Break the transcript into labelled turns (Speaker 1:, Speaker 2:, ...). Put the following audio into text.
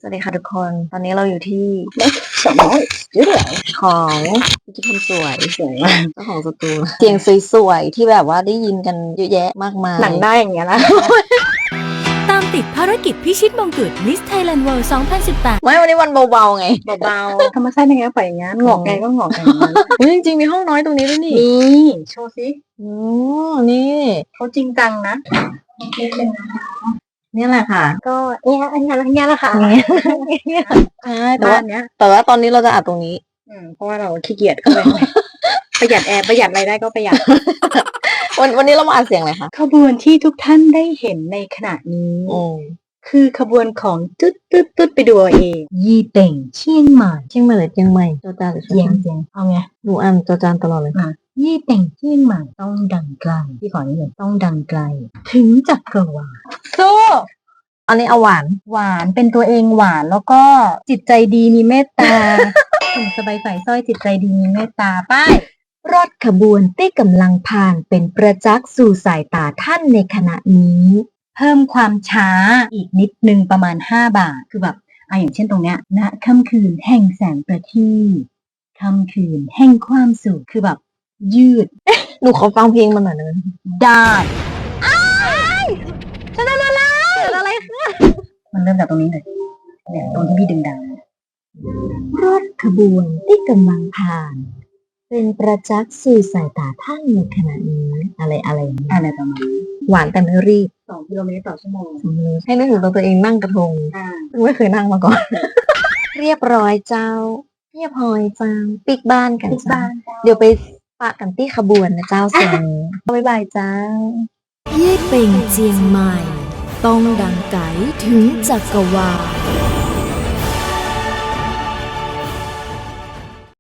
Speaker 1: วัสดีค่ะทุกคน ตอนนี้เราอยู่ที่
Speaker 2: สองร้อยเยอะเลย
Speaker 1: ของพิจิคนสวย
Speaker 2: สวยมาก
Speaker 1: เจ้าของสตูเสียงสวยๆที่แบบว่าได้ยินกันเยอะแยะมากมาย
Speaker 2: หนังได้อย่างเงี้ยนะ
Speaker 3: ตามติดภารกิจพิชิตมงกุฎ Miss Thailand World 2018
Speaker 1: ไม่วันนี้วันเบาๆไง
Speaker 2: เบาๆธรรมชาติยังไงก็ปล่อยอย่างงั้นงอกไงก็งอกอย่างนั้น
Speaker 1: เฮ้ยจริงๆมีห้องน้อยตรงนี้ด้วยนี่
Speaker 2: นี่โชว์สิ
Speaker 1: โอ้นี่
Speaker 2: เขาจริงจังนะ
Speaker 1: นี่แหละค่ะ
Speaker 2: ก็เนี่ยอันนี้แหละค่ะ
Speaker 1: ใช่แต่
Speaker 2: บ้า
Speaker 1: ว่าน
Speaker 2: เนี้ย
Speaker 1: แต่ว่าตอนนี้เราจะอัดตรงนี้
Speaker 2: เพราะว่าเราขี้เกียจเข้าไป ประหยัดแอร์ประหยัดอะไรได้ก็ประหยัด
Speaker 1: วันนี้เรามาอัดเสียงอะไรคะ
Speaker 2: ขบวนที่ทุกท่านได้เห็นในขณะนี้ คือขบวนของตุ๊ดไปดูเอาเอง ยี่เป่งเชียงใหม่
Speaker 1: เชียงใหม่หรือเชียงใหม่จอจานหรือเชี
Speaker 2: เจี
Speaker 1: ย
Speaker 2: ย
Speaker 1: ง
Speaker 2: งเจียงเอาไง
Speaker 1: หนูอ่านจอจานตลอดเลย
Speaker 2: ยี่เป่งเชียงใหม่ต้องดังไกลพี่ขอนี่เลยต้องดังไกล ถึงจักรวาลสู้
Speaker 1: อันนี้เอาหวาน
Speaker 2: หวานเป็นตัวเองหวานแล้วก็จิตใจดีมีเมตตา ถึงสบายใส่สร้อยจิตใจดีมีเมตตาป้าย
Speaker 1: รถขบวนที่กำลังผ่านเป็นประจักษ์สู่สายตาท่านในขณะนี้
Speaker 2: เพิ่มความช้าอีกนิดนึงประมาณ5 บาทคือแบบอย่างเช่นตรงเนี้ยณค่ำคืนแห่งแสงประทีปค่ำคืนแห่งความสุขคือแบบยืด
Speaker 1: หนูขอฟังเพลงมันหน่อยนะ
Speaker 2: ได้
Speaker 1: จะได้อะไรอะไรคะ
Speaker 2: มันเริ่มจากตรงนี้เลยเนี่ยตรงที่พี่ดึงดัง
Speaker 1: รถขบวนที่กำลังผ่าน เป็นประจักษ์สู่สายตาท่านในขณะนี้อะไรอย่างนี้
Speaker 2: อะไรประมาณนี้
Speaker 1: หวานแต่ไม่รีบ
Speaker 2: 2 กิโลเมตรต่อชั่วโมง
Speaker 1: ให้นึกถึงตัวเองนั่งกระทงซึ่งไม่เคยนั่งมาก่อน เรียบร้อยเจ้า เรียบร้อยเจ้าปิกบ้านกันเจ้าเดี๋ยวไปปะกันที่ขบวนนะเจ้าเสียงนี้บ๊ายบายเจ้า
Speaker 3: ยี่เป่งเจียงใหม่ ต้องดังไกถึงจักรวาล